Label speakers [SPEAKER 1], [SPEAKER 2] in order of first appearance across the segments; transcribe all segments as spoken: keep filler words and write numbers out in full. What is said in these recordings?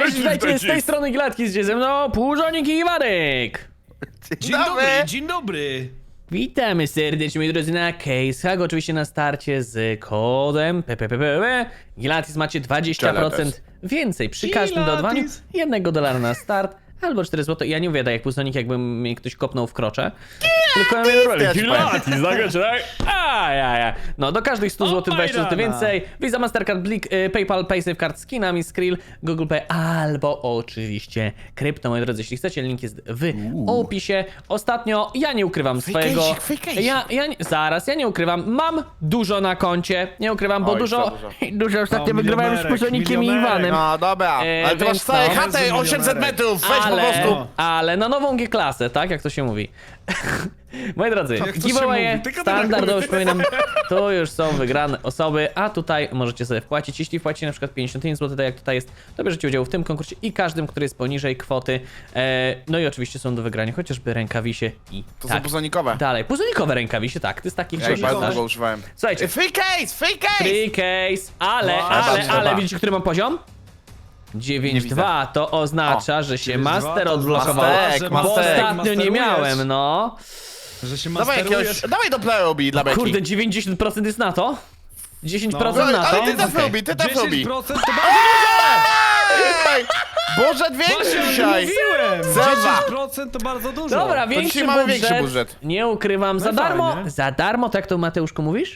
[SPEAKER 1] Cześć, witajcie, z tej strony Gladki, z ze mną Płużonik i Iwanek.
[SPEAKER 2] Dzień dobry, dzień dobry.
[SPEAKER 1] Witamy serdecznie, moi drodzy, na CaseHack, oczywiście na starcie z kodem P P P P. Gilatis macie dwadzieścia procent więcej przy każdym dodawaniu jednego dolara na start, albo cztery złote. Ja nie mówię tak jak Płużonik, jakby mnie ktoś kopnął w krocze. Tylko ja mówię, Gilatis, tak? A, ja, ja. No, do każdych stu złotych dwadzieścia złotych więcej. Visa, Mastercard, Blik, y, PayPal, PaySafeCard, skinami, Skrill, Google Pay, albo oczywiście krypto, moi drodzy. Jeśli chcecie, link jest w opisie. Ostatnio, ja nie ukrywam swojego...
[SPEAKER 2] fejkejsik.
[SPEAKER 1] Ja, ja nie, zaraz, ja nie ukrywam. Mam dużo na koncie. Nie ukrywam, bo
[SPEAKER 2] Oj,
[SPEAKER 1] dużo...
[SPEAKER 2] za dużo.
[SPEAKER 1] Dużo ostatnio
[SPEAKER 2] No,
[SPEAKER 1] wygrywałem z
[SPEAKER 2] milionerek,
[SPEAKER 1] Płużonikiem i
[SPEAKER 2] milionerek.
[SPEAKER 1] Iwanem.
[SPEAKER 2] No dobra,
[SPEAKER 1] E,
[SPEAKER 2] ale ty masz
[SPEAKER 1] więc
[SPEAKER 2] całe
[SPEAKER 1] no.
[SPEAKER 2] chatę osiemset metrów, weź po
[SPEAKER 1] Ale,
[SPEAKER 2] prostu.
[SPEAKER 1] ale na nową G-klasę, tak? Jak to się mówi. Moi drodzy,
[SPEAKER 2] Jak to się
[SPEAKER 1] giveawaye
[SPEAKER 2] mówi? Tylko
[SPEAKER 1] standardowo,
[SPEAKER 2] tak.
[SPEAKER 1] przypominam, tu już są wygrane osoby, a tutaj możecie sobie wpłacić. Jeśli wpłacicie na przykład pięćdziesiąt pięć złotych, tak jak tutaj jest, to bierzecie udział w tym konkursie i każdym, który jest poniżej kwoty. E, no i oczywiście są do wygrania chociażby rękawisie i
[SPEAKER 2] To
[SPEAKER 1] tak
[SPEAKER 2] są puzonikowe.
[SPEAKER 1] dalej. Puzonikowe rękawisie, tak, ty z takich
[SPEAKER 2] Ja ich bardzo
[SPEAKER 1] korzystasz.
[SPEAKER 2] długo używałem.
[SPEAKER 1] Słuchajcie,
[SPEAKER 2] Free case, free case!
[SPEAKER 1] free case, ale,
[SPEAKER 2] No,
[SPEAKER 1] ale,
[SPEAKER 2] trzeba,
[SPEAKER 1] ale
[SPEAKER 2] trzeba.
[SPEAKER 1] widzicie, który mam poziom? dziewięć
[SPEAKER 2] widzę.
[SPEAKER 1] dwa, to oznacza, że się
[SPEAKER 3] dziewięć dwa
[SPEAKER 1] master
[SPEAKER 3] to
[SPEAKER 1] odblokował,
[SPEAKER 2] Mastek,
[SPEAKER 1] bo
[SPEAKER 2] mastek.
[SPEAKER 1] ostatnio nie
[SPEAKER 3] Masterujesz.
[SPEAKER 1] miałem, no.
[SPEAKER 3] Że się
[SPEAKER 2] Dawaj
[SPEAKER 3] masterujesz.
[SPEAKER 2] jakiegoś, dawaj do Playrobi dla Beki.
[SPEAKER 1] Kurde, dziewięćdziesiąt procent jest na to? dziesięć procent
[SPEAKER 2] No,
[SPEAKER 1] na to?
[SPEAKER 2] ale ty też
[SPEAKER 1] Okej.
[SPEAKER 2] lubi, ty też
[SPEAKER 3] dziesięć
[SPEAKER 2] lubi.
[SPEAKER 3] procent to bardzo
[SPEAKER 2] Ej! Boże,
[SPEAKER 3] dużo!
[SPEAKER 2] większy
[SPEAKER 3] Właśnie
[SPEAKER 2] dzisiaj.
[SPEAKER 3] mówiłem!
[SPEAKER 2] Zobacz.
[SPEAKER 3] dziesięć procent to bardzo dużo.
[SPEAKER 1] Dobra,
[SPEAKER 2] dzisiaj
[SPEAKER 1] większy
[SPEAKER 2] mamy
[SPEAKER 1] budżet,
[SPEAKER 2] większy budżet.
[SPEAKER 1] nie ukrywam, za
[SPEAKER 3] No
[SPEAKER 1] darmo,
[SPEAKER 3] fajnie.
[SPEAKER 1] za darmo, tak to Mateuszku mówisz?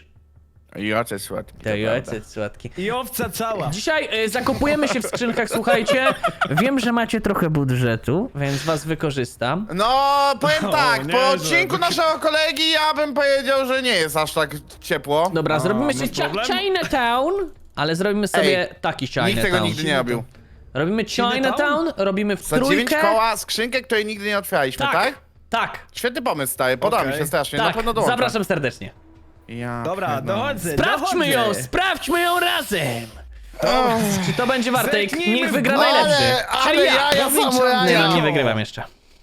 [SPEAKER 2] Joce słodki.
[SPEAKER 1] To
[SPEAKER 2] prawda.
[SPEAKER 1] jojce słodki.
[SPEAKER 3] I owca cała.
[SPEAKER 1] Dzisiaj y, zakupujemy się w skrzynkach, słuchajcie. Wiem, że macie trochę budżetu, więc was wykorzystam.
[SPEAKER 2] No, powiem
[SPEAKER 3] O,
[SPEAKER 2] tak, po
[SPEAKER 3] niezłe.
[SPEAKER 2] odcinku naszego kolegi ja bym powiedział, że nie jest aż tak ciepło.
[SPEAKER 1] Dobra,
[SPEAKER 3] A,
[SPEAKER 1] zrobimy
[SPEAKER 3] masz
[SPEAKER 1] sobie Chi-
[SPEAKER 3] problem?
[SPEAKER 1] Chinatown, ale zrobimy sobie taki Chinatown.
[SPEAKER 2] Nikt tego nigdy nie robił.
[SPEAKER 1] Robimy Chinatown, robimy w
[SPEAKER 2] Za dziewięć
[SPEAKER 1] trójkę.
[SPEAKER 2] koła skrzynkę, której nigdy nie otwieraliśmy, tak?
[SPEAKER 1] Tak, tak,
[SPEAKER 2] Świetny pomysł, stary, podoba mi
[SPEAKER 3] Okej.
[SPEAKER 2] się strasznie, na
[SPEAKER 1] tak.
[SPEAKER 2] pewno dołączę.
[SPEAKER 1] Zapraszam serdecznie.
[SPEAKER 2] Ja
[SPEAKER 3] Dobra,
[SPEAKER 2] pierdolę.
[SPEAKER 3] dochodzę,
[SPEAKER 1] Sprawdźmy ją,
[SPEAKER 3] dochodzę.
[SPEAKER 1] sprawdźmy ją razem.
[SPEAKER 2] O,
[SPEAKER 1] Czy to będzie warte?
[SPEAKER 3] Zerknijmy
[SPEAKER 1] Niech
[SPEAKER 3] w
[SPEAKER 1] wygra
[SPEAKER 3] górę.
[SPEAKER 1] najlepszy.
[SPEAKER 2] Ale, ale
[SPEAKER 1] Czyli ja.
[SPEAKER 2] ja, ja
[SPEAKER 3] Powiedz
[SPEAKER 2] samo, ja,
[SPEAKER 3] nam,
[SPEAKER 1] Nie,
[SPEAKER 2] ja.
[SPEAKER 1] no, nie wygrywam jeszcze.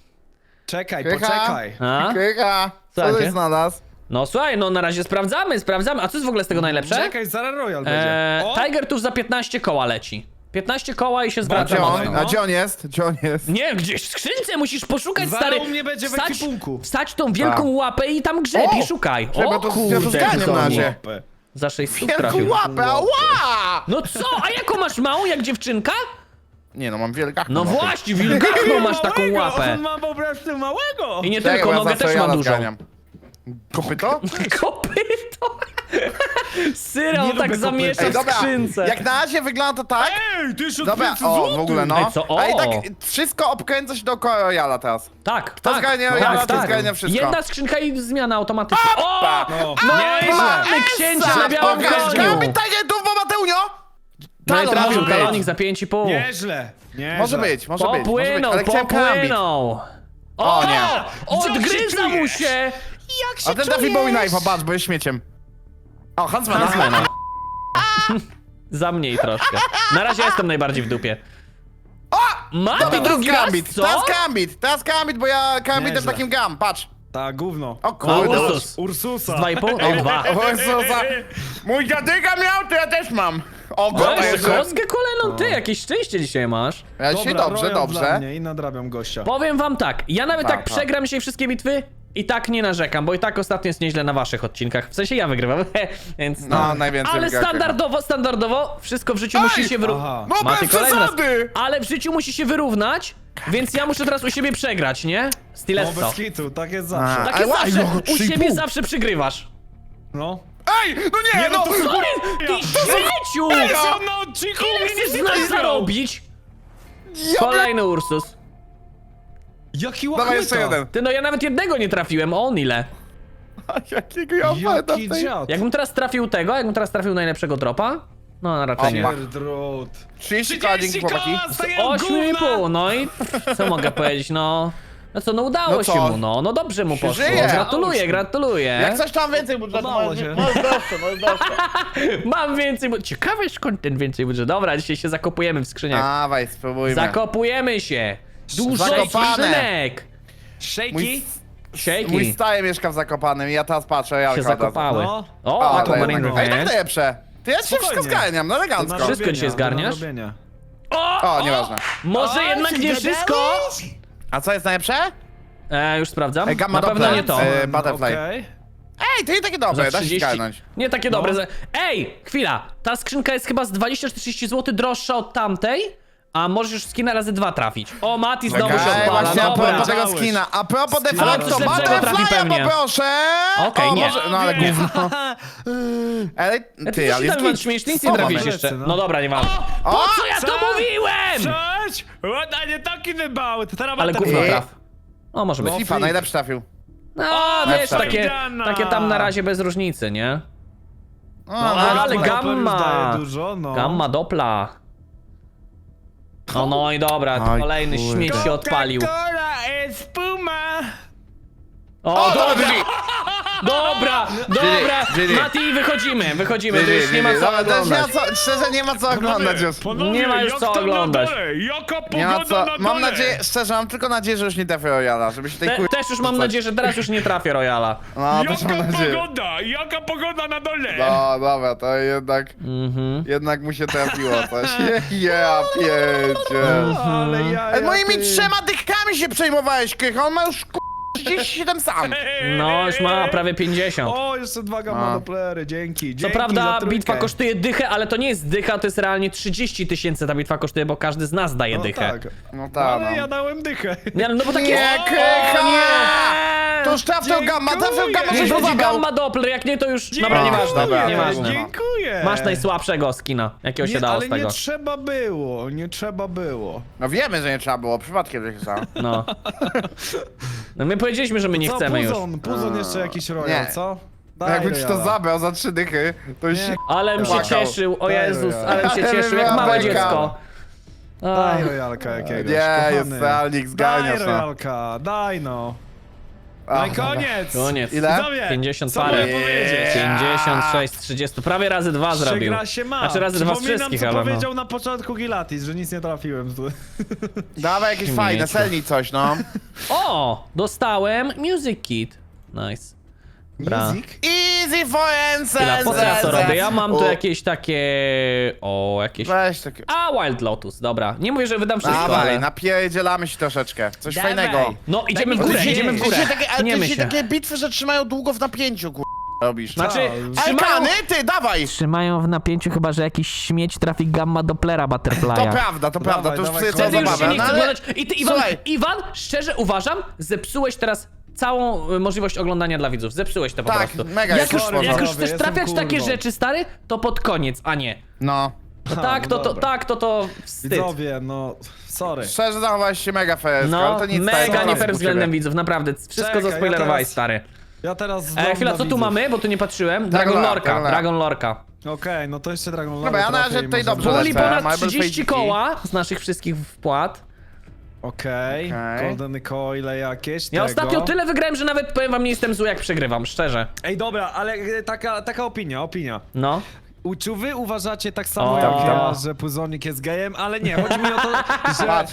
[SPEAKER 3] Czekaj,
[SPEAKER 2] Krycha.
[SPEAKER 3] poczekaj.
[SPEAKER 1] A?
[SPEAKER 2] Krycha, co
[SPEAKER 1] Słuchajcie.
[SPEAKER 2] ty znalazł?
[SPEAKER 1] No słuchaj, no na razie sprawdzamy, sprawdzamy. A co jest w ogóle z tego najlepsze?
[SPEAKER 3] Czekaj, zaraz Royal będzie.
[SPEAKER 1] Eee,
[SPEAKER 3] O!
[SPEAKER 1] Tiger tuż za piętnaście koła leci. piętnaście koła i się
[SPEAKER 2] A
[SPEAKER 1] zwraca
[SPEAKER 2] gdzie
[SPEAKER 1] mocno.
[SPEAKER 2] on,
[SPEAKER 3] no.
[SPEAKER 2] a gdzie on jest? Gdzie on jest?
[SPEAKER 1] Nie, gdzieś w skrzynce musisz poszukać,
[SPEAKER 3] Zaraz
[SPEAKER 1] stary.
[SPEAKER 3] u mnie będzie w
[SPEAKER 1] Wstać-
[SPEAKER 3] ekwipunku.
[SPEAKER 1] Wstać tą wielką
[SPEAKER 2] Tak.
[SPEAKER 1] łapę i tam grzeb i
[SPEAKER 2] O!
[SPEAKER 1] szukaj.
[SPEAKER 2] Czekaj,
[SPEAKER 1] O
[SPEAKER 2] bo to- ja to
[SPEAKER 1] kurde,
[SPEAKER 2] zganiam na
[SPEAKER 1] Zoni.
[SPEAKER 2] razie.
[SPEAKER 3] Łapę.
[SPEAKER 1] Za sześć stóp
[SPEAKER 2] Wielką
[SPEAKER 1] trafił.
[SPEAKER 2] łapę, ała!
[SPEAKER 1] No co? A jaką masz małą, jak dziewczynka?
[SPEAKER 2] Nie no, mam wielgachną
[SPEAKER 1] No
[SPEAKER 2] łapę.
[SPEAKER 1] właśnie, wilgachną masz taką
[SPEAKER 3] Małego,
[SPEAKER 1] łapę.
[SPEAKER 3] On ma po prostu małego.
[SPEAKER 1] I nie
[SPEAKER 2] Czekaj,
[SPEAKER 1] tylko,
[SPEAKER 2] bo ja
[SPEAKER 1] nogę
[SPEAKER 2] zawsze
[SPEAKER 1] też ma
[SPEAKER 2] Jana
[SPEAKER 1] dużą.
[SPEAKER 2] zganiam. Kopyto?
[SPEAKER 1] Kopyto! Syra,
[SPEAKER 3] Nie
[SPEAKER 1] on tak
[SPEAKER 3] lubię
[SPEAKER 1] zamiesza
[SPEAKER 2] Ej,
[SPEAKER 1] w
[SPEAKER 2] dobra,
[SPEAKER 1] skrzynce.
[SPEAKER 2] jak na razie wygląda to tak.
[SPEAKER 3] Ej, ty już
[SPEAKER 2] Dobra, o, w ogóle no.
[SPEAKER 1] Ej, co? O!
[SPEAKER 2] A i tak wszystko obkręca się dookoła Royala teraz.
[SPEAKER 1] Tak,
[SPEAKER 2] To
[SPEAKER 1] tak.
[SPEAKER 2] zgarnia
[SPEAKER 1] tak,
[SPEAKER 2] Royala, to
[SPEAKER 1] tak.
[SPEAKER 2] zgarnia wszystko.
[SPEAKER 1] Jedna skrzynka i zmiana automatyczna. O!
[SPEAKER 3] No,
[SPEAKER 1] No i
[SPEAKER 3] nieźle.
[SPEAKER 1] mamy księcia na białym
[SPEAKER 2] Pokaż
[SPEAKER 1] koniu.
[SPEAKER 2] mi targetów, bo Mateunio!
[SPEAKER 1] No i
[SPEAKER 2] Talon
[SPEAKER 1] trafił
[SPEAKER 2] może być.
[SPEAKER 1] kalonik za pięć i pół.
[SPEAKER 3] Nieźle, nieźle.
[SPEAKER 2] Może być, może być, może być,
[SPEAKER 1] Popłynął,
[SPEAKER 2] ale chciałem karambit.
[SPEAKER 1] popłynął.
[SPEAKER 2] O, nie.
[SPEAKER 1] Odgryza mu się.
[SPEAKER 3] Jak się
[SPEAKER 2] A ten trafi Bowie Knife'a, patrz, bo jest śmieciem. O, Huntsmana.
[SPEAKER 1] Huntsmana. Za mniej troszkę. Na razie jestem najbardziej w dupie.
[SPEAKER 2] O!
[SPEAKER 1] Ma
[SPEAKER 2] Dobra,
[SPEAKER 1] to drugi
[SPEAKER 2] teraz
[SPEAKER 1] raz,
[SPEAKER 2] karambit,
[SPEAKER 1] co?
[SPEAKER 2] teraz karambit, teraz karambit, bo ja karambitem
[SPEAKER 3] Nieźle.
[SPEAKER 2] takim gam, patrz.
[SPEAKER 3] Ta gówno.
[SPEAKER 2] O kurde.
[SPEAKER 1] Ursus.
[SPEAKER 3] Ursusa.
[SPEAKER 1] Z dwa i pół? O, dwa.
[SPEAKER 2] O Jezusa. Mój dziadyka miał, to ja też mam. O,
[SPEAKER 1] O,
[SPEAKER 2] kurde,
[SPEAKER 1] jeszcze
[SPEAKER 2] jeszcze.
[SPEAKER 1] kostkę kolejną, ty, jakieś szczęście dzisiaj masz.
[SPEAKER 2] Ja dzisiaj
[SPEAKER 3] Dobra,
[SPEAKER 2] dobrze,
[SPEAKER 3] Royal dla
[SPEAKER 2] dobrze.
[SPEAKER 3] mnie I nadrabiam gościa.
[SPEAKER 1] Powiem wam tak, ja nawet
[SPEAKER 2] Tak,
[SPEAKER 1] tak
[SPEAKER 2] tak.
[SPEAKER 1] przegram dzisiaj wszystkie bitwy i tak nie narzekam, bo i tak ostatnio jest nieźle na waszych odcinkach. W sensie ja wygrywam, więc no.
[SPEAKER 2] No, najwięcej
[SPEAKER 1] Ale
[SPEAKER 2] wygra
[SPEAKER 1] standardowo, standardowo, wszystko w życiu
[SPEAKER 2] Ej!
[SPEAKER 1] musi się wyrównać.
[SPEAKER 3] Aha.
[SPEAKER 2] No bez przesady!
[SPEAKER 1] Ale w życiu musi się wyrównać, więc ja muszę teraz u siebie przegrać, nie?
[SPEAKER 3] No
[SPEAKER 1] Stiletto.
[SPEAKER 3] bez kitu, tak jest zawsze.
[SPEAKER 2] A.
[SPEAKER 1] Tak
[SPEAKER 2] Ale
[SPEAKER 1] jest
[SPEAKER 2] łaj,
[SPEAKER 1] zawsze,
[SPEAKER 2] no,
[SPEAKER 1] u
[SPEAKER 2] trzy i
[SPEAKER 1] siebie
[SPEAKER 2] pół.
[SPEAKER 1] zawsze przegrywasz.
[SPEAKER 3] No.
[SPEAKER 2] Ej, no nie,
[SPEAKER 3] Nie, no
[SPEAKER 2] no!
[SPEAKER 3] to
[SPEAKER 1] Co jest? Ty śmieciu!
[SPEAKER 3] Co na odcinku
[SPEAKER 1] Ile
[SPEAKER 3] mnie nie
[SPEAKER 1] chcesz z nas
[SPEAKER 3] wygrał?
[SPEAKER 1] zarobić?
[SPEAKER 2] Ja
[SPEAKER 1] Kolejny Ursus.
[SPEAKER 3] Jaki
[SPEAKER 2] Dawaj
[SPEAKER 3] łachmyta.
[SPEAKER 2] jeszcze jeden.
[SPEAKER 1] Ty no ja nawet jednego nie trafiłem, o on ile?
[SPEAKER 2] Jakiego ja opowiadam
[SPEAKER 3] Jaki
[SPEAKER 2] tej...
[SPEAKER 3] dziad.
[SPEAKER 1] Jakbym teraz trafił tego, jakbym teraz trafił najlepszego dropa? No raczej nie.
[SPEAKER 3] Pierdrot.
[SPEAKER 2] trzydzieści koła, dzięki chłopaki.
[SPEAKER 1] Ośmiu i pół, no i co mogę powiedzieć, no... No co, no udało
[SPEAKER 2] No
[SPEAKER 1] się
[SPEAKER 2] co?
[SPEAKER 1] mu, no, no dobrze mu
[SPEAKER 2] Się
[SPEAKER 1] poszło.
[SPEAKER 2] żyje.
[SPEAKER 1] Gratuluję, gratuluję.
[SPEAKER 2] Jak coś tam więcej budżetu,
[SPEAKER 3] Podobało
[SPEAKER 2] możesz
[SPEAKER 3] się.
[SPEAKER 2] możesz dostać, możesz dostać.
[SPEAKER 1] Mam więcej, bu- ciekawe skąd ten więcej budżet. Dobra, dzisiaj się zakopujemy w skrzyniach.
[SPEAKER 2] Dawaj, spróbujmy.
[SPEAKER 1] Zakopujemy się. Dużo
[SPEAKER 2] Zakopane.
[SPEAKER 1] skrzynek.
[SPEAKER 3] Shaky?
[SPEAKER 2] Mój, mój
[SPEAKER 1] Siejki
[SPEAKER 2] staje mieszka w Zakopanym i ja teraz patrzę, ja
[SPEAKER 1] się zakopały.
[SPEAKER 3] No.
[SPEAKER 1] O,
[SPEAKER 2] O,
[SPEAKER 1] to
[SPEAKER 2] to
[SPEAKER 1] Marine
[SPEAKER 2] Ej, tak
[SPEAKER 1] Revenge.
[SPEAKER 2] najlepsze. Ty ja się wszystko
[SPEAKER 3] Spokojnie.
[SPEAKER 2] zgarniam, no elegancko.
[SPEAKER 1] Wszystko dzisiaj zgarniasz?
[SPEAKER 3] Do nadrobienia.
[SPEAKER 2] O, nieważne.
[SPEAKER 1] Może jednak nie wszystko?
[SPEAKER 2] A co jest najlepsze?
[SPEAKER 1] E, już sprawdzam.
[SPEAKER 2] E, Gamma
[SPEAKER 1] Na pewno
[SPEAKER 2] Doppler.
[SPEAKER 1] nie to.
[SPEAKER 2] E, Butterfly.
[SPEAKER 3] Okej.
[SPEAKER 2] Ej, to nie takie dobre,
[SPEAKER 1] Za
[SPEAKER 2] da się
[SPEAKER 1] trzydzieści.
[SPEAKER 2] skalnąć.
[SPEAKER 1] Nie takie
[SPEAKER 3] No.
[SPEAKER 1] dobre. za- Ej, chwila. Ta skrzynka jest chyba z dwadzieścia trzydzieści złotych droższa od tamtej, a możesz już skina razy dwa trafić. O, Mati znowu się
[SPEAKER 2] Okej,
[SPEAKER 1] odpala.
[SPEAKER 2] właśnie a
[SPEAKER 1] Dobra.
[SPEAKER 2] propos tego
[SPEAKER 3] Dałeś.
[SPEAKER 2] skina. A propos
[SPEAKER 3] Skin.
[SPEAKER 2] defektu,
[SPEAKER 1] Ale coś lepszego trafi
[SPEAKER 2] Butterfly'a
[SPEAKER 1] pewnie.
[SPEAKER 2] poproszę!
[SPEAKER 1] Okej,
[SPEAKER 2] O,
[SPEAKER 1] nie.
[SPEAKER 2] może- No ale gówno. Ale
[SPEAKER 1] A
[SPEAKER 2] ty,
[SPEAKER 1] ty,
[SPEAKER 2] ale
[SPEAKER 1] ty
[SPEAKER 2] jest
[SPEAKER 1] tam
[SPEAKER 2] git.
[SPEAKER 1] śmiesznie nic
[SPEAKER 2] Co
[SPEAKER 1] nie
[SPEAKER 2] mamy?
[SPEAKER 1] trafisz jeszcze.
[SPEAKER 3] no.
[SPEAKER 1] No dobra, nie mam.
[SPEAKER 2] O!
[SPEAKER 1] Po co ja to
[SPEAKER 3] Co?
[SPEAKER 1] mówiłem?
[SPEAKER 3] Cześć! A nie taki wybały, to teraz
[SPEAKER 1] Ale
[SPEAKER 3] Butterfly.
[SPEAKER 1] gówno
[SPEAKER 2] Ej.
[SPEAKER 1] traf. O, może być.
[SPEAKER 3] No.
[SPEAKER 2] Flipa, najlepszy trafił.
[SPEAKER 1] No,
[SPEAKER 3] O,
[SPEAKER 1] wiesz,
[SPEAKER 2] lepsza.
[SPEAKER 1] takie,
[SPEAKER 3] Widziana.
[SPEAKER 1] takie tam na razie bez różnicy, nie?
[SPEAKER 2] O,
[SPEAKER 3] No,
[SPEAKER 2] no,
[SPEAKER 1] ale
[SPEAKER 3] Gamma Doppler już
[SPEAKER 1] gamma.
[SPEAKER 3] daje dużo, no.
[SPEAKER 1] Gamma Dopla. No, no i dobra,
[SPEAKER 2] Oj,
[SPEAKER 1] kolejny
[SPEAKER 2] kurde.
[SPEAKER 1] śmieć się odpalił.
[SPEAKER 3] Coca-Cola jest Puma.
[SPEAKER 1] O,
[SPEAKER 2] O,
[SPEAKER 1] dobra,
[SPEAKER 2] dobra!
[SPEAKER 1] dobra, dobra.
[SPEAKER 2] Gigi.
[SPEAKER 1] Mati, wychodzimy, wychodzimy, to już nie ma co
[SPEAKER 2] Dobra, to już nie ma
[SPEAKER 1] oglądać.
[SPEAKER 2] co, szczerze nie ma co oglądać już.
[SPEAKER 3] Panowie,
[SPEAKER 1] Nie ma już
[SPEAKER 3] jak
[SPEAKER 1] co
[SPEAKER 3] tam
[SPEAKER 1] oglądać.
[SPEAKER 3] Na dole? Jaka pogoda
[SPEAKER 2] Nie ma co,
[SPEAKER 3] na
[SPEAKER 2] mam
[SPEAKER 3] dole?
[SPEAKER 2] nadzieję, szczerze mam tylko nadzieję, że już nie trafię Royala, żeby się tej
[SPEAKER 1] Te,
[SPEAKER 2] kur...
[SPEAKER 1] też już mam nadzieję, że teraz już nie trafię Royala.
[SPEAKER 2] No, też mam
[SPEAKER 3] Jaka
[SPEAKER 2] nadzieję.
[SPEAKER 3] pogoda? Jaka pogoda na dole?
[SPEAKER 2] No, dobra, to jednak,
[SPEAKER 1] Mhm.
[SPEAKER 2] jednak mu się trafiło coś. Ja piecie.
[SPEAKER 3] Ale ja,
[SPEAKER 2] Ale
[SPEAKER 3] ja,
[SPEAKER 2] moimi
[SPEAKER 3] ty.
[SPEAKER 2] trzema dychkami się przejmowałeś, Krycha, on ma już kur... trzydzieści siedem sam.
[SPEAKER 1] No, już ma prawie pięćdziesiąt.
[SPEAKER 3] O, jeszcze dwa gamma
[SPEAKER 2] No.
[SPEAKER 3] Dopplery, dzięki.
[SPEAKER 1] Co
[SPEAKER 3] dzięki
[SPEAKER 1] prawda
[SPEAKER 3] za trójkę.
[SPEAKER 1] bitwa kosztuje dychę, ale to nie jest dycha, to jest realnie trzydzieści tysięcy ta bitwa kosztuje, bo każdy z nas daje
[SPEAKER 3] No
[SPEAKER 1] dychę.
[SPEAKER 3] tak.
[SPEAKER 2] No
[SPEAKER 3] No,
[SPEAKER 2] tak,
[SPEAKER 3] ale
[SPEAKER 2] no.
[SPEAKER 3] ja dałem dychę.
[SPEAKER 1] Nie, no bo tak
[SPEAKER 2] Nie,
[SPEAKER 1] jest.
[SPEAKER 2] Krycha!
[SPEAKER 1] O, nie!
[SPEAKER 2] To już trafił gamma, trafił gamma,
[SPEAKER 1] Niech
[SPEAKER 2] żeś
[SPEAKER 1] będzie
[SPEAKER 2] zabrał.
[SPEAKER 1] gamma Doppler, jak nie to już... Dobra,
[SPEAKER 2] No,
[SPEAKER 1] nieważne,
[SPEAKER 2] dobra,
[SPEAKER 1] nieważne.
[SPEAKER 3] Dziękuję.
[SPEAKER 1] Masz najsłabszego skina, jakiego się
[SPEAKER 3] nie,
[SPEAKER 1] dało
[SPEAKER 3] ale
[SPEAKER 1] z tego.
[SPEAKER 3] nie trzeba było, nie trzeba było.
[SPEAKER 2] No wiemy, że nie trzeba było, przypadkiem że się stało.
[SPEAKER 1] No. No my powiedzieliśmy, że my nie
[SPEAKER 3] co,
[SPEAKER 1] chcemy już.
[SPEAKER 3] Puzon, Puzon jeszcze jakiś royal,
[SPEAKER 2] Nie.
[SPEAKER 3] co?
[SPEAKER 2] No
[SPEAKER 3] Daj
[SPEAKER 2] jakby ci to
[SPEAKER 3] royala.
[SPEAKER 2] zabrał za trzy dychy, to już
[SPEAKER 3] Nie.
[SPEAKER 2] się...
[SPEAKER 1] Ale bym się
[SPEAKER 2] Płakał.
[SPEAKER 1] cieszył, o
[SPEAKER 3] Daj
[SPEAKER 1] Jezus,
[SPEAKER 3] royala.
[SPEAKER 1] ale bym się
[SPEAKER 2] Ale
[SPEAKER 1] cieszył, jak
[SPEAKER 2] była
[SPEAKER 1] małe
[SPEAKER 2] beka.
[SPEAKER 1] dziecko.
[SPEAKER 3] Daj
[SPEAKER 1] Ach.
[SPEAKER 3] royalka jakiegoś,
[SPEAKER 2] Nie, jest
[SPEAKER 3] kochany.
[SPEAKER 2] realnik,
[SPEAKER 3] Daj
[SPEAKER 2] zgarniasz no.
[SPEAKER 3] royalka, daj no.
[SPEAKER 2] A,
[SPEAKER 3] No i koniec.
[SPEAKER 1] Koniec.
[SPEAKER 2] Ile?
[SPEAKER 3] Widzowie,
[SPEAKER 1] pięćdziesiąt
[SPEAKER 3] co
[SPEAKER 1] parę.
[SPEAKER 3] mogę powiedzieć?
[SPEAKER 1] pięćdziesiąt sześć z trzydziestu, prawie razy dwa zrobił.
[SPEAKER 3] Przegra się ma.
[SPEAKER 1] Znaczy razy dwa z
[SPEAKER 3] Przypominam,
[SPEAKER 1] wszystkich,
[SPEAKER 3] co
[SPEAKER 1] ale no.
[SPEAKER 3] powiedział na początku Gilatis, że nic nie trafiłem.
[SPEAKER 2] Dawaj jakieś
[SPEAKER 1] Śmiecie.
[SPEAKER 2] fajne, selnij coś, no.
[SPEAKER 1] O! Dostałem Music Kit. Nice. Bra.
[SPEAKER 3] Music?
[SPEAKER 2] Easy for
[SPEAKER 1] Chwila, po co ja to
[SPEAKER 2] answers.
[SPEAKER 1] robię? Ja mam tu
[SPEAKER 2] U,
[SPEAKER 1] jakieś takie... O, jakieś...
[SPEAKER 2] Weź takie...
[SPEAKER 1] A, Wild Lotus, dobra. Nie mówię, że wydam wszystko,
[SPEAKER 2] Dawaj,
[SPEAKER 1] ale...
[SPEAKER 2] napierdzielamy się troszeczkę. Coś
[SPEAKER 3] Dawaj.
[SPEAKER 2] fajnego.
[SPEAKER 1] No, idziemy w
[SPEAKER 3] Daj mi
[SPEAKER 1] górę,
[SPEAKER 3] powiedzieć.
[SPEAKER 1] idziemy w górę.
[SPEAKER 2] Dzisiaj takie, ale
[SPEAKER 1] Tniemy
[SPEAKER 2] ty się
[SPEAKER 1] się.
[SPEAKER 2] takie bitwy, że trzymają długo w napięciu, kur... robisz.
[SPEAKER 1] Znaczy,
[SPEAKER 3] Co?
[SPEAKER 1] trzymają,
[SPEAKER 2] Alkany, ty, dawaj!
[SPEAKER 1] trzymają w napięciu chyba, że jakiś śmieć trafi gamma Dopplera
[SPEAKER 2] To
[SPEAKER 1] Butterfly'a.
[SPEAKER 2] prawda, to prawda, to już
[SPEAKER 3] dawaj,
[SPEAKER 2] psy co
[SPEAKER 1] Wtedy już się
[SPEAKER 2] zabawę,
[SPEAKER 1] nie
[SPEAKER 2] no
[SPEAKER 1] chce
[SPEAKER 2] ale...
[SPEAKER 1] oglądać. I ty, Iwan,
[SPEAKER 2] Słuchaj.
[SPEAKER 1] Iwan, szczerze uważam, zepsułeś teraz całą y, możliwość oglądania dla widzów. Zepsułeś to po
[SPEAKER 2] Tak,
[SPEAKER 1] prostu.
[SPEAKER 2] mega
[SPEAKER 1] Jak
[SPEAKER 2] jest
[SPEAKER 1] już,
[SPEAKER 2] kurwa.
[SPEAKER 1] jak już
[SPEAKER 3] Sorry,
[SPEAKER 1] chcesz
[SPEAKER 3] jestem
[SPEAKER 1] trafiać takie
[SPEAKER 3] kurwą.
[SPEAKER 1] rzeczy, stary, to pod koniec, a nie.
[SPEAKER 2] No.
[SPEAKER 1] No
[SPEAKER 3] A,
[SPEAKER 1] tak,
[SPEAKER 3] no
[SPEAKER 1] to, to,
[SPEAKER 3] dobra.
[SPEAKER 1] tak, to, to wstyd.
[SPEAKER 3] Widzowie, no, sorry.
[SPEAKER 2] Szczerze zachowałeś się mega fair,
[SPEAKER 1] No,
[SPEAKER 2] ale to nic stary,
[SPEAKER 1] mega
[SPEAKER 2] to
[SPEAKER 1] nie
[SPEAKER 2] nas
[SPEAKER 1] fair
[SPEAKER 2] u
[SPEAKER 1] względem
[SPEAKER 2] ciebie.
[SPEAKER 1] widzów, naprawdę. Wszystko
[SPEAKER 3] Czekaj, ja
[SPEAKER 1] zaspoilerowałeś,
[SPEAKER 3] teraz-
[SPEAKER 1] stary.
[SPEAKER 3] Ja teraz
[SPEAKER 1] E, chwila,
[SPEAKER 3] dla
[SPEAKER 1] co tu
[SPEAKER 3] widzów.
[SPEAKER 1] mamy? Bo tu nie patrzyłem. Dragon
[SPEAKER 2] Dragon
[SPEAKER 1] Lorka,
[SPEAKER 2] Lorka.
[SPEAKER 1] Dragon Lorka.
[SPEAKER 3] Okej, no to jeszcze Dragon Lore
[SPEAKER 2] Dobra, ja na
[SPEAKER 3] trafię
[SPEAKER 2] razie
[SPEAKER 3] i
[SPEAKER 2] tutaj
[SPEAKER 3] może-
[SPEAKER 2] dobrze
[SPEAKER 1] Puli
[SPEAKER 2] lecę.
[SPEAKER 1] ponad
[SPEAKER 2] Marble
[SPEAKER 1] trzydzieści
[SPEAKER 2] Fade
[SPEAKER 1] koła z naszych wszystkich wpłat.
[SPEAKER 3] Okej,
[SPEAKER 2] Okej.
[SPEAKER 3] golden coile jakieś,
[SPEAKER 1] Ja
[SPEAKER 3] tego.
[SPEAKER 1] ostatnio tyle wygrałem, że nawet powiem wam, nie jestem zły jak przegrywam, szczerze.
[SPEAKER 3] Ej, dobra, ale e, taka, taka opinia, opinia.
[SPEAKER 1] No.
[SPEAKER 3] U- Czy wy uważacie tak samo
[SPEAKER 1] O.
[SPEAKER 3] jak ja, że Puzonik jest gejem? Ale nie, chodzi mi o to, że...
[SPEAKER 2] Patrz.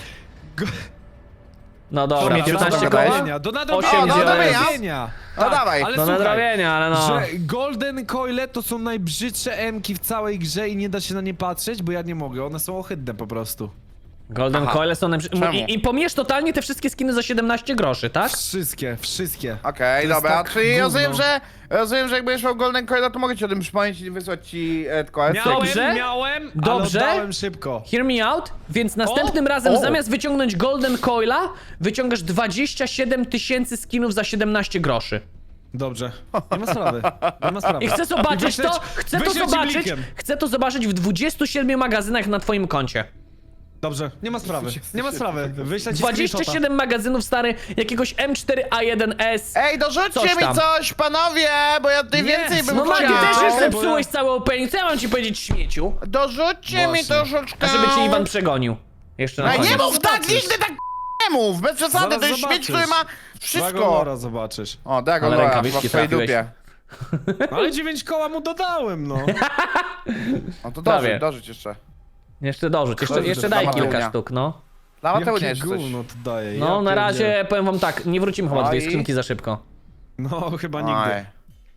[SPEAKER 1] No dobra,
[SPEAKER 2] Dobra,
[SPEAKER 1] piętnaście
[SPEAKER 2] do
[SPEAKER 1] koła?
[SPEAKER 2] nadrobienia,
[SPEAKER 3] Do
[SPEAKER 1] Osiem
[SPEAKER 3] nadrobienia, do
[SPEAKER 1] wziąłem.
[SPEAKER 3] nadrobienia.
[SPEAKER 2] No dawaj.
[SPEAKER 3] ale
[SPEAKER 1] Do
[SPEAKER 3] słuchaj,
[SPEAKER 1] nadrobienia, ale no.
[SPEAKER 3] że golden coile to są najbrzydsze emki w całej grze i nie da się na nie patrzeć, bo ja nie mogę, one są ohydne po prostu.
[SPEAKER 1] Golden
[SPEAKER 2] Aha.
[SPEAKER 1] Coile są najprzy...
[SPEAKER 2] Czemu?
[SPEAKER 1] I, I pomijesz totalnie te wszystkie skiny za siedemnaście groszy, tak?
[SPEAKER 3] Wszystkie, wszystkie.
[SPEAKER 2] Okej,
[SPEAKER 3] To jest
[SPEAKER 2] dobra,
[SPEAKER 3] tak
[SPEAKER 2] czyli
[SPEAKER 3] gówno.
[SPEAKER 2] rozumiem, że rozumiem, że jak będziesz miał Golden Coil, to mogę ci o tym przypomnieć i wysłać ci e, tylko esek.
[SPEAKER 3] Miałem,
[SPEAKER 1] Dobrze?
[SPEAKER 3] miałem,
[SPEAKER 1] Dobrze?
[SPEAKER 3] ale oddałem szybko.
[SPEAKER 1] Hear me out, więc następnym razem
[SPEAKER 2] o.
[SPEAKER 1] zamiast wyciągnąć Golden Coila, wyciągasz dwadzieścia siedem tysięcy skinów za siedemnaście groszy.
[SPEAKER 3] Dobrze, nie ma sprawy, nie ma sprawy.
[SPEAKER 1] I chcę zobaczyć
[SPEAKER 3] Wyśleć-
[SPEAKER 1] to, chcę to
[SPEAKER 3] wyśleć
[SPEAKER 1] zobaczyć,
[SPEAKER 3] blikiem.
[SPEAKER 1] chcę to zobaczyć w dwudziestu siedmiu magazynach na twoim koncie.
[SPEAKER 3] Dobrze, nie ma sprawy, nie ma sprawy. Wyślę ci
[SPEAKER 1] dwadzieścia
[SPEAKER 3] screenshota.
[SPEAKER 1] siedem magazynów, stary, jakiegoś M cztery A jeden S.
[SPEAKER 2] Ej, dorzućcie
[SPEAKER 1] Coś
[SPEAKER 2] mi
[SPEAKER 1] tam.
[SPEAKER 2] coś, panowie, bo ja tutaj
[SPEAKER 3] Nie,
[SPEAKER 2] więcej bym
[SPEAKER 1] No Mati,
[SPEAKER 2] chciał.
[SPEAKER 1] też już
[SPEAKER 3] bo
[SPEAKER 1] zepsułeś
[SPEAKER 3] ja-
[SPEAKER 1] cały opening, co ja mam ci powiedzieć, śmieciu?
[SPEAKER 2] Dorzućcie mi
[SPEAKER 3] Właśnie.
[SPEAKER 2] troszeczkę.
[SPEAKER 1] A żeby cię Iwan przegonił. Jeszcze na
[SPEAKER 2] Ej, nie
[SPEAKER 1] koniec.
[SPEAKER 2] mów tak,
[SPEAKER 3] Zobaczysz.
[SPEAKER 2] nigdy tak nie mów, bez przesady,
[SPEAKER 3] Zaraz
[SPEAKER 2] to jest śmieć,
[SPEAKER 3] zobaczysz.
[SPEAKER 2] który ma
[SPEAKER 3] Dragon
[SPEAKER 2] wszystko.
[SPEAKER 3] Lora zobaczysz.
[SPEAKER 2] O, Dragon
[SPEAKER 1] Ale
[SPEAKER 2] Lora,
[SPEAKER 1] rękawiczki
[SPEAKER 2] chyba w twojej
[SPEAKER 1] trafiłeś.
[SPEAKER 2] dupie.
[SPEAKER 3] Ale dziewięć koła mu dodałem, no.
[SPEAKER 2] No to
[SPEAKER 1] Prawie.
[SPEAKER 2] dorzuć, dorzuć jeszcze.
[SPEAKER 1] Jeszcze dorzuć, jeszcze,
[SPEAKER 2] Dorzuć
[SPEAKER 1] jeszcze
[SPEAKER 2] dla
[SPEAKER 1] daj kilka
[SPEAKER 2] Mateunia.
[SPEAKER 1] sztuk, no.
[SPEAKER 2] Dla Mateunia
[SPEAKER 3] Jakie
[SPEAKER 2] jeszcze coś.
[SPEAKER 3] gówno to daje.
[SPEAKER 1] No,
[SPEAKER 3] ja
[SPEAKER 1] na razie
[SPEAKER 3] pierdzielę.
[SPEAKER 1] powiem wam tak, nie wrócimy chyba do tej
[SPEAKER 2] Oj.
[SPEAKER 1] skrzynki za szybko.
[SPEAKER 3] No, chyba
[SPEAKER 2] Oj.
[SPEAKER 3] nigdy.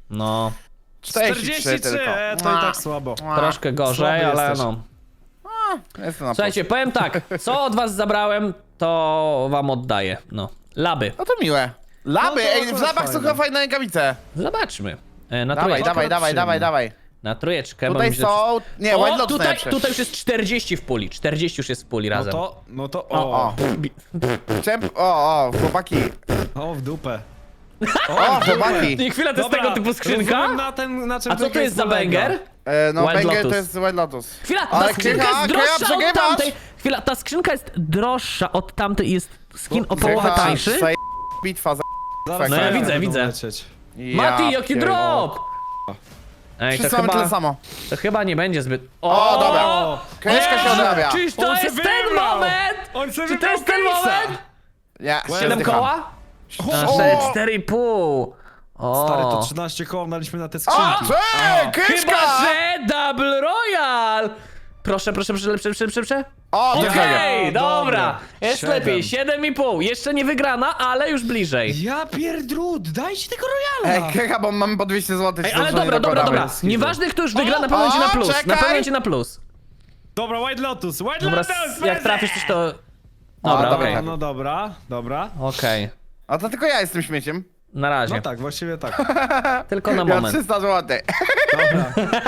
[SPEAKER 1] No,
[SPEAKER 2] czterdzieści trzy
[SPEAKER 3] czterdzieści trzy,
[SPEAKER 2] tylko.
[SPEAKER 3] e, to i tak słabo.
[SPEAKER 2] Mua.
[SPEAKER 1] troszkę gorzej,
[SPEAKER 3] Słaby
[SPEAKER 1] ale
[SPEAKER 3] jesteś.
[SPEAKER 1] no.
[SPEAKER 2] jestem na
[SPEAKER 1] Słuchajcie, powiem tak, co od was zabrałem, to wam oddaję. No, laby.
[SPEAKER 2] plus. No to miłe. Laby,
[SPEAKER 3] No to
[SPEAKER 2] ej, w
[SPEAKER 3] akurat
[SPEAKER 2] labach są
[SPEAKER 3] fajne.
[SPEAKER 2] chyba fajne rękawice.
[SPEAKER 1] Zobaczmy. E, Na
[SPEAKER 2] Dawaj,
[SPEAKER 1] trójeczkę.
[SPEAKER 2] dawaj, dawaj,
[SPEAKER 3] przyjemne.
[SPEAKER 2] dawaj, dawaj.
[SPEAKER 1] Na trójeczkę. bo
[SPEAKER 2] Tutaj
[SPEAKER 1] mi się-
[SPEAKER 2] są... Nie, White
[SPEAKER 1] O,
[SPEAKER 2] Lotus
[SPEAKER 1] tutaj,
[SPEAKER 2] najlepsze.
[SPEAKER 1] tutaj już jest czterdzieści w puli. czterdzieści już jest w puli
[SPEAKER 3] No
[SPEAKER 1] razem.
[SPEAKER 3] to, no to,
[SPEAKER 2] O,
[SPEAKER 3] o,
[SPEAKER 2] o. Chciałem... O, o, chłopaki.
[SPEAKER 3] o, w dupę.
[SPEAKER 2] O, chłopaki.
[SPEAKER 1] I chwila, to jest tego typu skrzynka?
[SPEAKER 3] rozumiem Na ten, na czym
[SPEAKER 1] A co to
[SPEAKER 3] tylko
[SPEAKER 1] jest za
[SPEAKER 3] polega.
[SPEAKER 1] banger?
[SPEAKER 2] E, no,
[SPEAKER 1] White
[SPEAKER 2] banger
[SPEAKER 1] Lotus.
[SPEAKER 2] to jest White Lotus.
[SPEAKER 1] Chwila, ta
[SPEAKER 2] Ale
[SPEAKER 1] skrzynka
[SPEAKER 2] Krycha,
[SPEAKER 1] jest
[SPEAKER 2] Krycha,
[SPEAKER 1] droższa od
[SPEAKER 2] przegrywasz.
[SPEAKER 1] tamtej. Chwila, ta skrzynka jest droższa od tamtej i jest skin o
[SPEAKER 2] Krycha,
[SPEAKER 1] połowę tańszy.
[SPEAKER 2] zaje- Bitwa za...
[SPEAKER 3] Zaraz
[SPEAKER 2] No ja
[SPEAKER 3] zaraz
[SPEAKER 1] widzę,
[SPEAKER 3] będą
[SPEAKER 1] widzę.
[SPEAKER 3] lecieć.
[SPEAKER 1] Mati, jaki
[SPEAKER 2] pierdolę.
[SPEAKER 1] drop! Ej, to
[SPEAKER 2] Wszyscy mamy
[SPEAKER 1] chyba,
[SPEAKER 2] tyle samo.
[SPEAKER 1] to chyba nie będzie zbyt...
[SPEAKER 2] O, dobra. Kryszka się
[SPEAKER 1] Eee,
[SPEAKER 2] odrabia.
[SPEAKER 1] Czyż to
[SPEAKER 3] On se
[SPEAKER 1] jest ten
[SPEAKER 3] wybrał.
[SPEAKER 1] moment?
[SPEAKER 3] On se
[SPEAKER 1] Czy to
[SPEAKER 3] wybrał
[SPEAKER 1] jest ten
[SPEAKER 3] case'a.
[SPEAKER 1] moment?
[SPEAKER 2] Ja,
[SPEAKER 1] Siedem
[SPEAKER 2] zdycham.
[SPEAKER 1] koła? A,
[SPEAKER 2] O!
[SPEAKER 1] cztery- cztery i pół. O.
[SPEAKER 3] Stary, to trzynaście koła daliśmy na te
[SPEAKER 2] O,
[SPEAKER 3] skrzynki.
[SPEAKER 2] cześć, Kryszka!
[SPEAKER 1] Chyba, że Double Royal! Proszę, proszę, proszę, lepsze, lepsze, lepsze, lepsze.
[SPEAKER 2] O,
[SPEAKER 1] Okej,
[SPEAKER 2] okay.
[SPEAKER 3] O,
[SPEAKER 1] dobra.
[SPEAKER 3] dobra.
[SPEAKER 1] Jest
[SPEAKER 3] Siedem.
[SPEAKER 1] lepiej, siedem i pół. Jeszcze nie wygrana, ale już bliżej.
[SPEAKER 3] Ja pierdrut, dajcie tego
[SPEAKER 2] Ej,
[SPEAKER 3] Royala!
[SPEAKER 2] Krycha, bo mamy po dwieście złotych.
[SPEAKER 1] Ej, ale dobra, dobra, dobra. Nieważne kto już wygra, na pewno
[SPEAKER 2] o,
[SPEAKER 1] będzie na plus. Na
[SPEAKER 2] czekaj.
[SPEAKER 1] pewno będzie na plus.
[SPEAKER 3] Dobra, White Lotus, White
[SPEAKER 1] Dobra,
[SPEAKER 3] Lotus!
[SPEAKER 1] s- jak trafisz coś to...
[SPEAKER 2] A,
[SPEAKER 1] Dobra,
[SPEAKER 2] dobra,
[SPEAKER 1] okej.
[SPEAKER 3] No, no dobra, dobra.
[SPEAKER 1] Okej.
[SPEAKER 2] A to tylko ja jestem śmieciem.
[SPEAKER 1] Na razie.
[SPEAKER 3] No tak, właściwie tak.
[SPEAKER 1] Tylko na
[SPEAKER 2] Ja
[SPEAKER 1] moment.
[SPEAKER 2] trzysta złotych.
[SPEAKER 3] Dobra.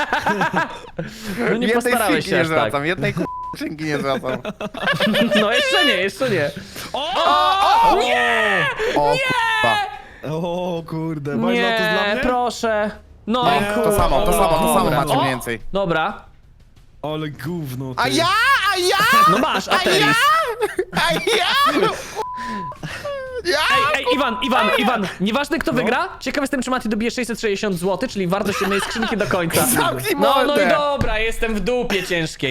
[SPEAKER 1] No nie
[SPEAKER 2] Jednej
[SPEAKER 1] postarałeś
[SPEAKER 2] skrzynki
[SPEAKER 1] się
[SPEAKER 2] nie
[SPEAKER 1] aż tak.
[SPEAKER 2] zwracam, jednej k- skrzynki nie zwracam.
[SPEAKER 1] No jeszcze nie, jeszcze nie.
[SPEAKER 3] O!
[SPEAKER 2] O, nie! O, k***a.
[SPEAKER 3] O kurde, White Lotus dla
[SPEAKER 1] Nie,
[SPEAKER 3] mnie?
[SPEAKER 1] proszę. No
[SPEAKER 3] Nie,
[SPEAKER 1] i
[SPEAKER 2] To
[SPEAKER 1] kur...
[SPEAKER 2] samo, to samo, to samo
[SPEAKER 3] Dobra.
[SPEAKER 2] macie
[SPEAKER 1] O!
[SPEAKER 2] mniej więcej.
[SPEAKER 1] Dobra.
[SPEAKER 3] Ale gówno ty.
[SPEAKER 2] A ja? A ja?
[SPEAKER 1] No masz,
[SPEAKER 2] A ja?
[SPEAKER 1] Ateris.
[SPEAKER 2] A ja? Ja?
[SPEAKER 1] Ej, ej, Iwan, Iwan, Iwan, nieważne kto wygra, ciekaw jestem, czy Mati dobije sześćset sześćdziesiąt złotych, czyli wartość jednej skrzynki do końca.
[SPEAKER 2] Zamknij
[SPEAKER 1] No, no i
[SPEAKER 2] mordę.
[SPEAKER 1] dobra, jestem w dupie ciężkiej.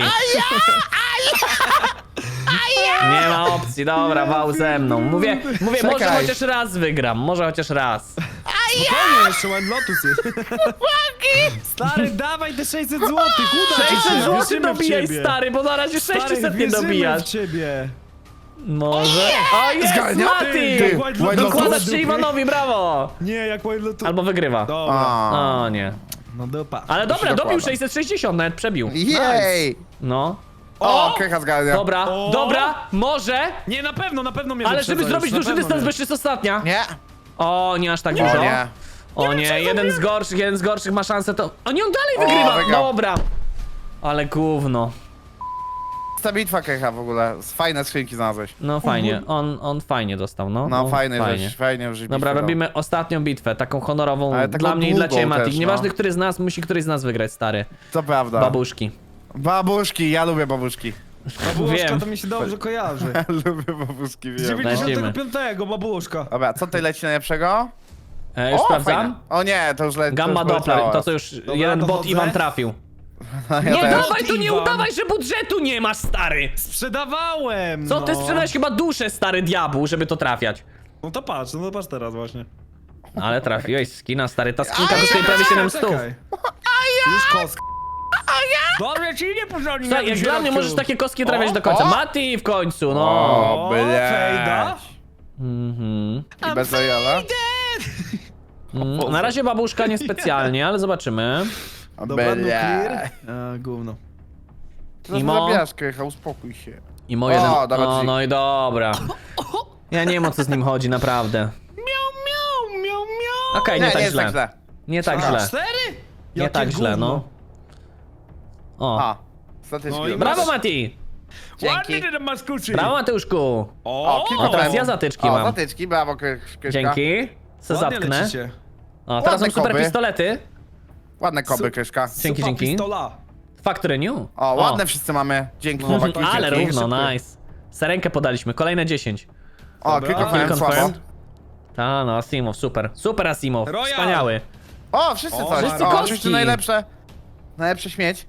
[SPEAKER 1] Nie ma opcji, dobra, wał ze mną. Mówię, mówię, może
[SPEAKER 2] Czekaj.
[SPEAKER 1] chociaż raz wygram, może chociaż raz.
[SPEAKER 3] Spokojnie, jeszcze White Lotus jest. Stary, dawaj te sześćset złotych, uda ci się.
[SPEAKER 1] sześćset złotych
[SPEAKER 3] wierzymy w
[SPEAKER 1] dobijaj,
[SPEAKER 3] ciebie.
[SPEAKER 1] stary, bo na razie
[SPEAKER 3] Stary,
[SPEAKER 1] sześćset nie
[SPEAKER 3] wierzymy
[SPEAKER 1] dobijasz.
[SPEAKER 3] w ciebie.
[SPEAKER 1] Może. O, jest
[SPEAKER 2] Zgarnia?
[SPEAKER 1] Mati!
[SPEAKER 2] Ty,
[SPEAKER 3] White
[SPEAKER 2] White
[SPEAKER 3] Lotus.
[SPEAKER 1] Dokładasz się Iwanowi, brawo!
[SPEAKER 3] Nie, jak White Lotus.
[SPEAKER 1] Albo wygrywa.
[SPEAKER 3] Dobra,
[SPEAKER 2] A.
[SPEAKER 1] O nie.
[SPEAKER 3] no dupa.
[SPEAKER 1] Ale dobra,
[SPEAKER 2] się
[SPEAKER 1] dobił
[SPEAKER 2] dokłada.
[SPEAKER 1] sześćset sześćdziesiąt, nawet przebił.
[SPEAKER 2] Jej!
[SPEAKER 1] No.
[SPEAKER 2] O, Krycha zgarnia.
[SPEAKER 1] Dobra,
[SPEAKER 3] O!
[SPEAKER 1] dobra, może,
[SPEAKER 3] Nie, na pewno, na pewno mnie
[SPEAKER 1] ale
[SPEAKER 3] wyprzedza
[SPEAKER 1] żeby zrobić
[SPEAKER 3] już, na
[SPEAKER 1] duży
[SPEAKER 3] pewno
[SPEAKER 1] dystans,
[SPEAKER 3] mnie.
[SPEAKER 1] bo jeszcze jest ostatnia.
[SPEAKER 2] Nie.
[SPEAKER 1] O, nie aż tak
[SPEAKER 2] O
[SPEAKER 1] dużo.
[SPEAKER 2] nie.
[SPEAKER 1] O nie, jeden z gorszych, jeden z gorszych ma szansę to... O nie, on dalej wygrywa!
[SPEAKER 2] wygrał.
[SPEAKER 1] Dobra. Ale gówno.
[SPEAKER 2] Ta bitwa, Krycha, w ogóle. Z fajne skrzynki znalazłeś.
[SPEAKER 1] No fajnie, on, on fajnie dostał, no.
[SPEAKER 2] No, fajny,
[SPEAKER 1] fajnie.
[SPEAKER 2] żeś, fajnie już
[SPEAKER 1] Dobra, robimy ostatnią bitwę, taką honorową
[SPEAKER 2] Ale taką
[SPEAKER 1] dla mnie i dla
[SPEAKER 2] długą
[SPEAKER 1] ciebie, Mati.
[SPEAKER 2] też, no.
[SPEAKER 1] Nieważne, który z nas, musi któryś z nas wygrać, stary.
[SPEAKER 2] To prawda.
[SPEAKER 1] Babuszki.
[SPEAKER 2] Babuszki, ja lubię babuszki.
[SPEAKER 3] Babuszka
[SPEAKER 1] Wiem.
[SPEAKER 3] to mi się dobrze kojarzy.
[SPEAKER 2] Ja lubię babuszki, wiem.
[SPEAKER 3] dziewięćdziesiątego piątego babuszka.
[SPEAKER 2] Dobra, co tutaj leci najlepszego?
[SPEAKER 1] E, już
[SPEAKER 2] O,
[SPEAKER 1] sprawdzam.
[SPEAKER 2] fajne. O nie, to już leci.
[SPEAKER 1] Gamma Doppler, to co już jeden bot
[SPEAKER 3] dochodzę.
[SPEAKER 1] Iwan trafił.
[SPEAKER 2] Ja
[SPEAKER 1] Nie
[SPEAKER 2] też.
[SPEAKER 1] dawaj, to nie
[SPEAKER 3] Iwan.
[SPEAKER 1] udawaj, że budżetu nie masz, stary!
[SPEAKER 3] Sprzedawałem!
[SPEAKER 1] Co, ty
[SPEAKER 3] no.
[SPEAKER 1] sprzedałeś chyba duszę, stary diabł, żeby to trafiać.
[SPEAKER 3] No to patrz, no to patrz teraz właśnie.
[SPEAKER 1] Ale trafiłeś skina, stary, ta skrzynka kosztuje prawie siedem stów.
[SPEAKER 3] Czekaj. Już kosk. Dobrze ci nie porządnie.
[SPEAKER 1] Słuchaj, jak dla mnie możesz takie kostki trafiać
[SPEAKER 3] O,
[SPEAKER 1] do końca.
[SPEAKER 2] o.
[SPEAKER 1] Mati w końcu, no.
[SPEAKER 2] O,
[SPEAKER 3] fejda.
[SPEAKER 2] blядь.
[SPEAKER 1] Mhm.
[SPEAKER 2] I bez Royala?
[SPEAKER 1] Mm, Na razie babuszka niespecjalnie, ale zobaczymy.
[SPEAKER 3] Dobra, no clear.
[SPEAKER 2] Blядь.
[SPEAKER 3] A, gówno.
[SPEAKER 2] Co
[SPEAKER 1] Imo.
[SPEAKER 2] zabijasz, Krycha, uspokój się.
[SPEAKER 1] I mo jeden...
[SPEAKER 2] O, dobra,
[SPEAKER 1] O,
[SPEAKER 2] czyli-
[SPEAKER 1] no i dobra. Ja nie wiem, o co z nim chodzi, naprawdę.
[SPEAKER 3] Miau, miau, miau, miau.
[SPEAKER 1] Okej,
[SPEAKER 2] Nie,
[SPEAKER 1] nie tak
[SPEAKER 2] nie jest
[SPEAKER 1] źle.
[SPEAKER 2] tak źle.
[SPEAKER 1] Nie tak
[SPEAKER 3] A,
[SPEAKER 1] źle.
[SPEAKER 3] cztery?
[SPEAKER 1] Nie
[SPEAKER 3] Jakie
[SPEAKER 1] tak źle,
[SPEAKER 3] gówno.
[SPEAKER 1] no. O.
[SPEAKER 2] A, statyczki.
[SPEAKER 3] No i
[SPEAKER 2] dobra.
[SPEAKER 1] Brawo, Mati!
[SPEAKER 3] Ładnie ty tam masz kuczy.
[SPEAKER 1] Brawo, Mateuszku!
[SPEAKER 3] O,
[SPEAKER 2] O,
[SPEAKER 1] A teraz ja zatyczki
[SPEAKER 2] O,
[SPEAKER 1] mam.
[SPEAKER 2] zatyczki, brawo, Kry- Kryszka.
[SPEAKER 1] Dzięki. Se
[SPEAKER 3] ładnie
[SPEAKER 1] zatknę.
[SPEAKER 3] lecicie.
[SPEAKER 1] O, teraz
[SPEAKER 2] Ładne
[SPEAKER 1] są super
[SPEAKER 2] koby.
[SPEAKER 1] pistolety.
[SPEAKER 2] Ładne koby, Kryszka.
[SPEAKER 1] Dzięki,
[SPEAKER 3] Super
[SPEAKER 1] dzięki.
[SPEAKER 3] pistola.
[SPEAKER 1] Factory New.
[SPEAKER 2] O, ładne wszyscy mamy. Dzięki,
[SPEAKER 3] No,
[SPEAKER 2] chłopaki.
[SPEAKER 3] tak,
[SPEAKER 1] Ale
[SPEAKER 2] dzięki.
[SPEAKER 1] równo,
[SPEAKER 3] szybko.
[SPEAKER 1] nice. Serenkę podaliśmy, kolejne dziesięć.
[SPEAKER 2] O,
[SPEAKER 3] Dobra.
[SPEAKER 2] klikowałem
[SPEAKER 1] Kill
[SPEAKER 2] słabo.
[SPEAKER 1] confirmed. Ta, no, Asimow, super. Super Asimow,
[SPEAKER 3] Royal.
[SPEAKER 1] wspaniały.
[SPEAKER 2] O, wszyscy
[SPEAKER 3] O,
[SPEAKER 2] coś.
[SPEAKER 3] wszyscy
[SPEAKER 2] O,
[SPEAKER 1] kostki.
[SPEAKER 2] oczywiście najlepsze. Najlepsze śmieć.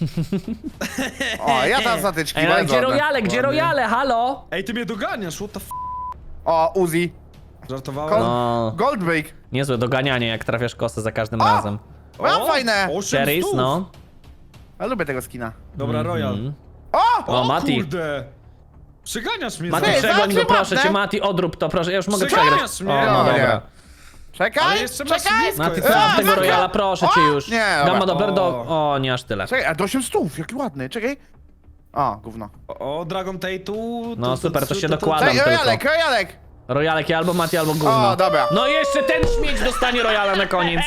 [SPEAKER 2] O, ja tam zatyczki,
[SPEAKER 1] Ej, no,
[SPEAKER 2] bardzo
[SPEAKER 1] gdzie
[SPEAKER 2] ładne.
[SPEAKER 1] Royale, gdzie
[SPEAKER 3] Ładnie.
[SPEAKER 1] Royale, halo?
[SPEAKER 3] Ej, ty mnie doganiasz, what the f...
[SPEAKER 2] O, Uzi.
[SPEAKER 3] Żartowałem?
[SPEAKER 2] Kol-
[SPEAKER 1] No,
[SPEAKER 2] Goldbreak.
[SPEAKER 1] niezłe doganianie, jak trafiasz kosę za każdym
[SPEAKER 2] O!
[SPEAKER 1] razem.
[SPEAKER 2] Mam
[SPEAKER 3] O,
[SPEAKER 2] fajne.
[SPEAKER 3] osiem
[SPEAKER 1] Cherries,
[SPEAKER 3] stów.
[SPEAKER 1] no.
[SPEAKER 2] Ja lubię tego skina.
[SPEAKER 3] Dobra, Royal.
[SPEAKER 1] Mhm.
[SPEAKER 2] O!
[SPEAKER 1] O, Mati.
[SPEAKER 3] kurde. Przyganiasz mnie
[SPEAKER 1] Mati,
[SPEAKER 2] Ty,
[SPEAKER 3] za...
[SPEAKER 1] przegoń go,
[SPEAKER 2] zawsze
[SPEAKER 1] proszę
[SPEAKER 2] ładne.
[SPEAKER 1] cię, Mati, odrób to, proszę, ja już mogę
[SPEAKER 3] Przeganiasz
[SPEAKER 1] przegrać.
[SPEAKER 3] mnie.
[SPEAKER 1] O, no
[SPEAKER 2] No,
[SPEAKER 1] dobra.
[SPEAKER 2] nie.
[SPEAKER 3] Ale
[SPEAKER 2] Czekaj,
[SPEAKER 3] jeszcze masz
[SPEAKER 2] czekaj.
[SPEAKER 3] blisko.
[SPEAKER 1] Mati,
[SPEAKER 3] jest.
[SPEAKER 1] co
[SPEAKER 2] A,
[SPEAKER 1] z tego
[SPEAKER 2] zagra-
[SPEAKER 1] Royala, proszę cię
[SPEAKER 2] O!
[SPEAKER 1] już.
[SPEAKER 2] Nie,
[SPEAKER 1] Gamma
[SPEAKER 2] dobra.
[SPEAKER 1] Doppler do...
[SPEAKER 3] O.
[SPEAKER 1] O, nie aż tyle.
[SPEAKER 2] Czekaj, a do osiem stów, jaki ładny, czekaj. O, gówno.
[SPEAKER 3] O, Dragon Tattoo...
[SPEAKER 1] No super, to się dokłada.
[SPEAKER 2] Ej,
[SPEAKER 1] Adam
[SPEAKER 2] Rojalek,
[SPEAKER 1] tylko.
[SPEAKER 2] Rojalek!
[SPEAKER 1] Rojalek ja albo Mati, albo gówno.
[SPEAKER 2] O, dobra.
[SPEAKER 1] No i jeszcze ten śmieć dostanie Royala na koniec.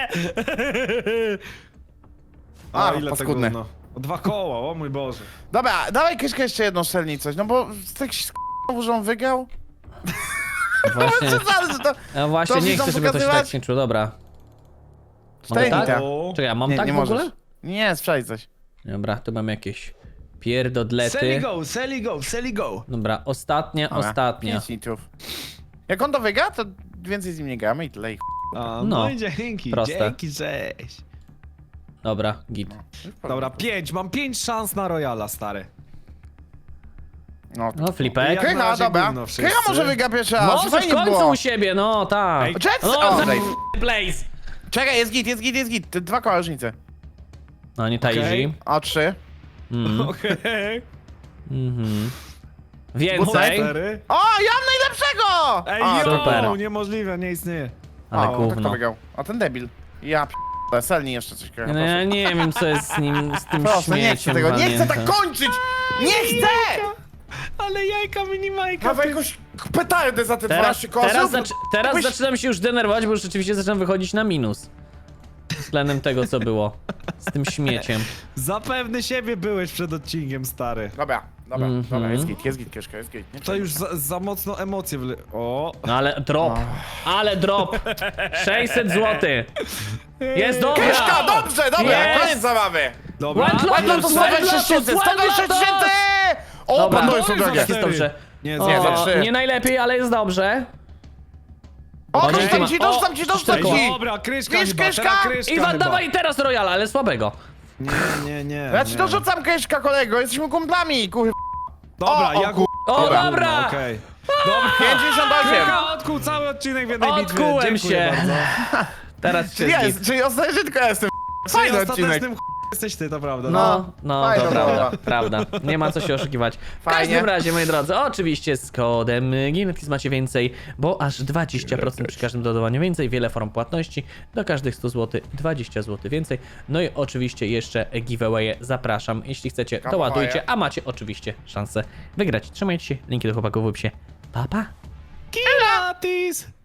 [SPEAKER 2] A,
[SPEAKER 3] A, ile
[SPEAKER 2] paskudne.
[SPEAKER 3] tego, no. O, dwa koła, o mój Boże.
[SPEAKER 2] Dobra, dawaj Kyszka jeszcze jedną strzelnij coś, no bo z tak się znowu, że on wygrał.
[SPEAKER 1] Właśnie,
[SPEAKER 2] Co za, że to...
[SPEAKER 1] no właśnie
[SPEAKER 2] to
[SPEAKER 1] nie
[SPEAKER 2] widzą
[SPEAKER 1] chcę, żeby to się
[SPEAKER 2] pokazywać?
[SPEAKER 1] tak się czuło. Dobra. Mogę
[SPEAKER 2] Cztery
[SPEAKER 1] tak?
[SPEAKER 2] hita.
[SPEAKER 3] O,
[SPEAKER 1] Czekaj, a mam
[SPEAKER 2] Nie,
[SPEAKER 1] tak
[SPEAKER 2] nie
[SPEAKER 1] w ogóle?
[SPEAKER 2] możesz. Nie, sprzedaj coś.
[SPEAKER 1] Dobra, tu mam jakieś
[SPEAKER 3] Sally
[SPEAKER 1] pierdodlety.
[SPEAKER 3] go, Sally go, Sally go.
[SPEAKER 1] Dobra, ostatnia,
[SPEAKER 2] Dobra,
[SPEAKER 1] ostatnia.
[SPEAKER 2] pięć litrów. Jak on to wygra, to więcej z nim nie gramy i tyle i ch...
[SPEAKER 3] A,
[SPEAKER 1] No,
[SPEAKER 3] no, i dzięki,
[SPEAKER 1] proste.
[SPEAKER 3] dzięki, cześć.
[SPEAKER 1] Dobra, git.
[SPEAKER 3] Dobra, pięć, mam pięć szans na Royala, stary.
[SPEAKER 2] No,
[SPEAKER 1] No, flipek.
[SPEAKER 3] Jak na
[SPEAKER 2] Krycha,
[SPEAKER 3] razie
[SPEAKER 2] dobra.
[SPEAKER 3] gówno wszyscy.
[SPEAKER 2] Krycha może wygra pierwszy raz,
[SPEAKER 1] Może w
[SPEAKER 2] fajnie
[SPEAKER 1] końcu
[SPEAKER 2] było.
[SPEAKER 1] u siebie, no tak.
[SPEAKER 3] Ej,
[SPEAKER 2] Jets?
[SPEAKER 1] No,
[SPEAKER 2] O,
[SPEAKER 1] za
[SPEAKER 2] daj.
[SPEAKER 1] Blaze.
[SPEAKER 2] Czekaj, jest git, jest git, jest git. Te dwa koła różnicy.
[SPEAKER 1] No nie ta
[SPEAKER 3] Okej.
[SPEAKER 1] easy.
[SPEAKER 2] O, trzy.
[SPEAKER 1] Mm.
[SPEAKER 3] Okej.
[SPEAKER 1] Mhm.
[SPEAKER 2] Bucaj.
[SPEAKER 1] Więcej,
[SPEAKER 3] Cztery.
[SPEAKER 2] O, ja mam najlepszego!
[SPEAKER 3] Ej,
[SPEAKER 2] o,
[SPEAKER 3] yo,
[SPEAKER 1] super.
[SPEAKER 3] niemożliwe, nie istnieje.
[SPEAKER 1] ale
[SPEAKER 2] o, tak to
[SPEAKER 1] gówno.
[SPEAKER 2] wygrał. A ten debil. Ja p***, Selni jeszcze coś krycha.
[SPEAKER 1] No ja nie wiem co jest z nim, z tym
[SPEAKER 2] Proszę, nie chcę
[SPEAKER 1] śmieciem
[SPEAKER 2] tego, nie chcę tak
[SPEAKER 1] walniętym.
[SPEAKER 2] kończyć! Nie chcę!
[SPEAKER 3] Ale jajka minimajka.
[SPEAKER 2] Mam jakąś petardę za te
[SPEAKER 1] Teraz,
[SPEAKER 2] dwanaście kosów.
[SPEAKER 1] teraz, zac teraz
[SPEAKER 2] Jakbyś-
[SPEAKER 1] zaczynam się już denerwować, bo już rzeczywiście zaczynam wychodzić na minus. Względem tego, co było z tym śmieciem.
[SPEAKER 3] Zapewny siebie byłeś przed odcinkiem, stary.
[SPEAKER 2] Dobra, dobra,
[SPEAKER 1] Mhm.
[SPEAKER 2] dobra, jest git, jest git, Kieszka, jest git. Nie
[SPEAKER 3] To już za, za mocno emocje wle... O!
[SPEAKER 1] No ale drop, ale drop. sześćset złotych. Jest dobra.
[SPEAKER 2] Kieszka, dobrze, dobra,
[SPEAKER 1] Jest.
[SPEAKER 2] koniec zabawy!
[SPEAKER 3] Dobra.
[SPEAKER 1] One
[SPEAKER 2] Ładno to
[SPEAKER 1] Lotus,
[SPEAKER 2] sto
[SPEAKER 1] One
[SPEAKER 2] dwadzieścia tysięcy,
[SPEAKER 1] Lotus,
[SPEAKER 2] sto dwadzieścia
[SPEAKER 1] One
[SPEAKER 2] tysięcy! O,
[SPEAKER 1] Dobra.
[SPEAKER 2] pan to jest to
[SPEAKER 3] Oj, za
[SPEAKER 2] drogie.
[SPEAKER 1] Jest dobrze.
[SPEAKER 3] Nie,
[SPEAKER 1] O,
[SPEAKER 3] nie,
[SPEAKER 2] za trzy.
[SPEAKER 1] nie najlepiej, ale jest dobrze.
[SPEAKER 2] O,
[SPEAKER 1] O,
[SPEAKER 2] dorzucam
[SPEAKER 1] dzięki
[SPEAKER 2] ci,
[SPEAKER 1] ma-
[SPEAKER 2] dorzucam
[SPEAKER 1] o,
[SPEAKER 2] ci, dorzucam
[SPEAKER 1] cztery.
[SPEAKER 2] ci!
[SPEAKER 3] Dobra, kryszka
[SPEAKER 2] Wiesz,
[SPEAKER 3] chyba,
[SPEAKER 2] Kryszka?
[SPEAKER 3] teraz kryszka
[SPEAKER 1] Iwan,
[SPEAKER 3] chyba.
[SPEAKER 1] dawaj teraz Royala, ale słabego.
[SPEAKER 3] Nie, nie, nie.
[SPEAKER 2] Ja ci
[SPEAKER 3] nie.
[SPEAKER 2] dorzucam Kieszka, kolego, jesteśmy kumplami, kur...
[SPEAKER 3] Dobra,
[SPEAKER 2] O, o,
[SPEAKER 3] ja
[SPEAKER 2] ku-
[SPEAKER 1] O,
[SPEAKER 3] Dobra,
[SPEAKER 1] dobra.
[SPEAKER 3] Okej. Dobra.
[SPEAKER 2] pięćdziesiąt osiem!
[SPEAKER 3] Krycha odkuł cały odcinek w jednej bitwie.
[SPEAKER 1] Odkułem
[SPEAKER 3] Dziękuję
[SPEAKER 1] się.
[SPEAKER 3] bardzo.
[SPEAKER 1] Teraz cię
[SPEAKER 2] Jest,
[SPEAKER 1] zgit.
[SPEAKER 2] czyli ostatecznie tylko ja jestem
[SPEAKER 3] Czyli
[SPEAKER 2] fajny odcinek.
[SPEAKER 3] ostatecznym ch... jesteś ty, to prawda.
[SPEAKER 1] No, no,
[SPEAKER 2] Fajna
[SPEAKER 1] to prawda,
[SPEAKER 2] zabawa.
[SPEAKER 1] prawda. Nie ma co się oszukiwać. W
[SPEAKER 2] Fajnie.
[SPEAKER 1] każdym razie, moi drodzy, oczywiście z kodem Ginetis macie więcej, bo aż dwadzieścia procent przy każdym dodawaniu więcej, wiele form płatności, do każdych stu złotych dwadzieścia złotych więcej. No i oczywiście jeszcze giveawaye zapraszam, jeśli chcecie, to
[SPEAKER 2] Giveawaye.
[SPEAKER 1] ładujcie, a macie oczywiście szansę wygrać. Trzymajcie się, linki do chłopaków w opisie. Pa, pa!
[SPEAKER 3] Pilates!